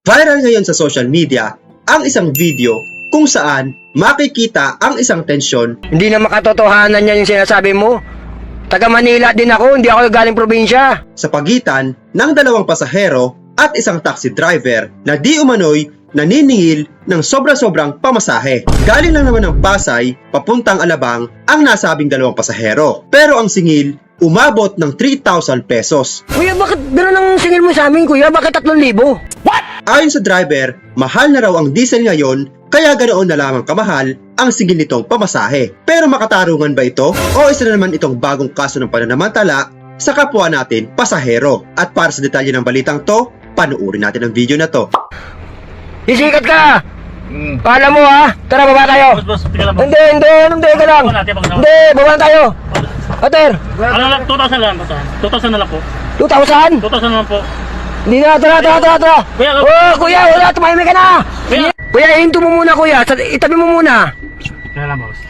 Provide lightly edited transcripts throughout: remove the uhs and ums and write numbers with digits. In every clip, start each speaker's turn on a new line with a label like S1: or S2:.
S1: Viral ngayon sa social media ang isang video kung saan makikita ang isang tensyon
S2: Hindi na makatotohanan yan yung sinasabi mo. Taga Manila din ako, hindi ako galing probinsya.
S1: sa pagitan ng dalawang pasahero at isang taxi driver na di umano'y naniningil ng sobra-sobrang pamasahe. Galing lang naman ng Pasay papuntang Alabang ang nasabing dalawang pasahero. Pero ang singil umabot ng 3,000 pesos.
S2: Kuya, bakit gano'n ang singil mo sa amin, kuya? Bakit 3,000?
S1: Ayon sa driver, mahal na raw ang diesel ngayon kaya ganoon na lamang kamahal ang singil nitong pamasahe. Pero makatarungan ba ito? O isa na naman itong bagong kaso ng pananamantala sa kapwa natin pasahero? At para sa detalye ng balitang to, panuorin natin ang video na to.
S2: Sisikat ka! Kala mo ha? Tara, baba tayo!
S3: Boss, tingnan lang, boss.
S2: Hindi ka lang! Hindi, baba na tayo! Ater!
S3: Ano lang, 2,000 lang, 2,000 na lang po.
S2: 2,000?
S3: 2,000 na lang po.
S2: Hindi na, tara!
S3: Kuya,
S2: Oh, kuya, wala, tumahimik ka na!
S3: Kuya.
S2: Kuya, hinto mo muna, kuya. Itabi mo muna.
S3: Kaya lang, boss.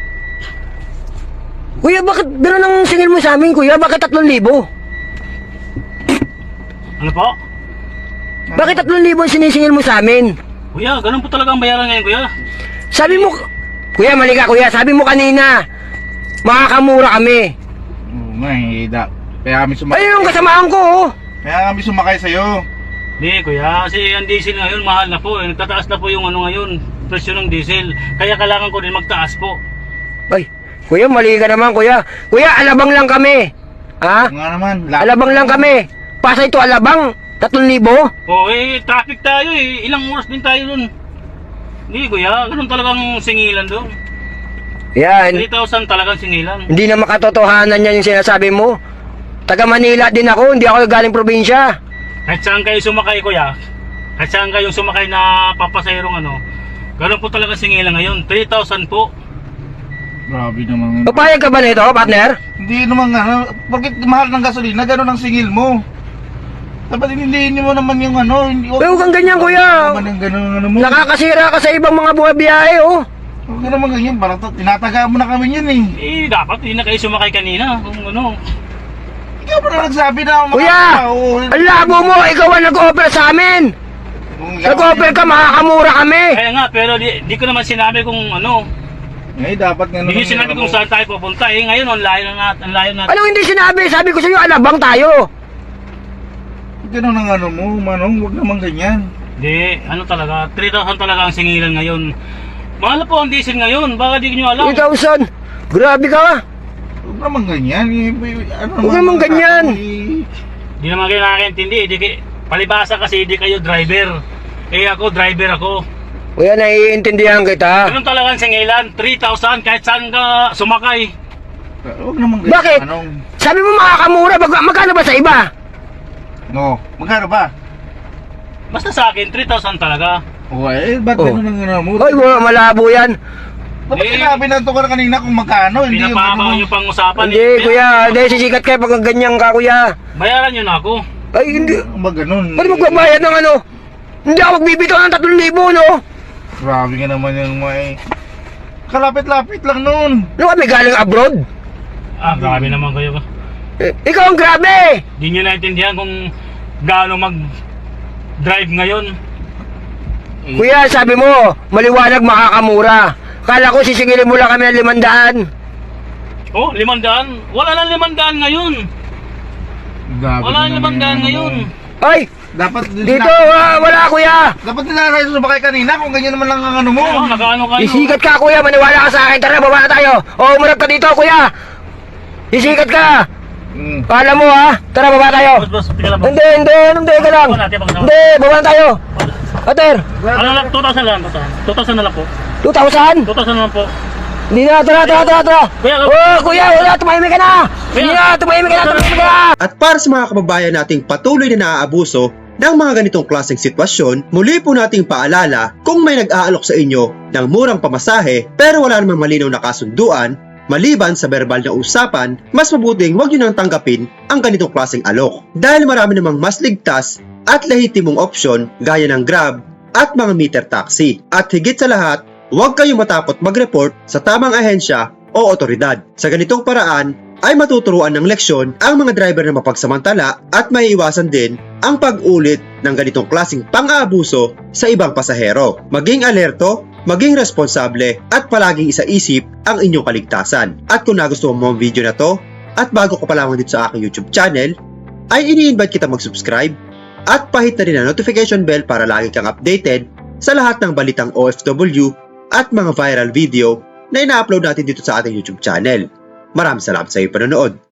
S2: Kuya, bakit gano'n ang singil mo sa amin, kuya? Bakit 3,000?
S3: Ano po?
S2: Bakit 3,000 ang sinisingil mo sa amin?
S3: Kuya, ganun po talaga ang bayaran ngayon, kuya.
S2: Sabi mo, kuya, mali ka, kuya. Sabi mo kanina, makakamura kami.
S4: Oo nga eh, kaya kami sumakay.
S2: Ayun yung kasamaan ko, oh.
S4: Kaya kami sumakay sa'yo.
S3: Hindi, kuya, kasi ang diesel ngayon, mahal na po. Nagtataas na po yung ano ngayon, presyo ng diesel. Kaya kailangan ko din magtaas po.
S2: Ay, kuya, mali ka naman, kuya. Kuya, Alabang lang kami. Ha?
S4: Oo nga naman.
S2: Alabang lang kami. Pasay to Alabang, 3,000?
S3: Oh, traffic tayo eh. Ilang oras din tayo dun. Hindi, kuya, ganun talagang singilan doon.
S2: Yan.
S3: 3,000 talagang singilan.
S2: Hindi na makatotohanan yan yung sinasabi mo. Taga Manila din ako, hindi ako galing probinsya.
S3: Kahit saan kayo sumakay, kuya, kahit saan kayong sumakay na papasayerong ano, ganun po talaga singilan ngayon. 3,000 po.
S4: Grabe naman.
S2: Papayag ka ba nito, partner?
S4: Hindi naman nga, porkit mahal ng gasolina, gano'n ang singil mo. Dapat hindi mo naman yung ano.
S2: Huwag kang ganyan, kuya.
S4: Huwag naman yung gano'n ano mo.
S2: Nakakasira ka sa ibang mga buhay-biyahe, oh.
S4: Huwag ka naman ganyan, parang tinataga mo na kami yun eh.
S3: Dapat hindi na kayo sumakay kanina. Kung ano.
S4: Ikaw pa na nagsabi na
S2: Kuya, ang labo mo, ikaw ang nag-offer sa amin. Nag-offer ka, makakamura kami.
S3: Kaya nga, pero di ko naman sinabi kung ano.
S4: Eh, dapat nga
S3: Hindi sinabi kung saan tayo pupunta. Ngayon, ang layo na.
S2: Anong hindi sinabi? Sabi ko sa iyo, Alabang tayo.
S4: Gano'n ang ano mo, Manong, huwag naman ganyan.
S3: Hindi, ano talaga, 3,000 talaga ang singilan ngayon. Mahal na po ang diesel ngayon, baka di nyo alam.
S2: 3,000. Grabe ka.
S4: Huwag naman ganyan.
S2: Huwag naman ganyan.
S3: Di naman kayo nakakaintindi. Palibasa kasi di kayo driver. Ako, driver ako.
S2: Kuya, naiintindihan kita.
S3: Ganun talaga ang singilan, 3,000 kahit saan ka sumakay.
S4: Huwag naman ganyan.
S2: Bakit?
S4: Manong.
S2: Sabi mo makakamura, magkano ba sa iba?
S4: No, magkano ba?
S3: Basta sa akin, 3,000 talaga.
S4: Ba't
S2: Oh.
S4: gano'n ang ano mo?
S2: Hoy, malabo yan.
S4: Dapat sinabi na ito ka kanina kung magkano, hindi yung
S3: Pinapahaba
S4: ano.
S3: yung pang-usapan.
S2: Hindi, kuya. Hindi, sisikat kayo pag ganyan ka, kuya.
S3: Bayaran nyo na ako.
S2: Ay, hindi.
S4: Ba ganun?
S2: Ba't magbabayad ng ano? Hindi ako magbibitaw ng 3,000, no?
S4: Grabe ka naman yung may... Kalapit-lapit lang nun.
S2: Ano kami galing abroad?
S3: Grabe naman kayo.
S2: Ikaw ang grabe!
S3: Di nyo naintindihan kung gaano mag-drive ngayon.
S2: Kuya, sabi mo, maliwanag makakamura. Kala ko sisingilin mo lang kami ng 500.
S3: Oh, 500? Wala nang 500 ngayon.
S4: Grabe
S3: Wala nang 500 ngayon.
S2: Ay,
S4: Dapat
S2: dito, wala kuya.
S4: Dapat nila kayo sumakay kanina kung ganyan naman lang ang ano mo.
S3: Nakaano kayo?
S2: Isikat ka, kuya. Maniwala ka sa akin. Tara, baba na tayo. O, umarap ka dito, kuya. Isikat ka. Kala mo, ha? Tara, baba tayo.
S3: Boss, tingnan lang, boss.
S2: Hindi ka lang. Hindi, baba na tayo. Ater,
S3: Ano lang, 2,000 lang. 2,000 na lang po.
S2: 2,000?
S3: 2,000 na lang po.
S2: Hindi na, tara.
S3: Kuya,
S2: Oh, kuya, wala, tumahimik ka na. Hindi na, tumahimik ka na.
S1: At para sa mga kababayan nating patuloy na naaabuso ng mga ganitong klaseng sitwasyon, muli po nating paalala kung may nag-aalok sa inyo ng murang pamasahe pero wala namang malinaw na kasunduan, maliban sa verbal na usapan, mas mabuting huwag nyo nang tanggapin ang ganitong klaseng alok. Dahil marami namang mas ligtas at lehitimong opsyon gaya ng Grab at mga meter taxi. At higit sa lahat, huwag kayong matakot mag-report sa tamang ahensya o otoridad. Sa ganitong paraan ay matuturuan ng leksyon ang mga driver na mapagsamantala at maiiwasan din ang pag-ulit ng ganitong klaseng pang-aabuso sa ibang pasahero. Maging alerto, maging responsable at palaging isaisip ang inyong kaligtasan. At kung nagustuhan mo ang video na to at bago ka pa lamang dito sa aking YouTube channel, ay ini-invite kita mag-subscribe at pahit na rin ang notification bell para lagi kang updated sa lahat ng balitang OFW at mga viral video na ina-upload natin dito sa ating YouTube channel. Maraming salamat sa iyong panonood.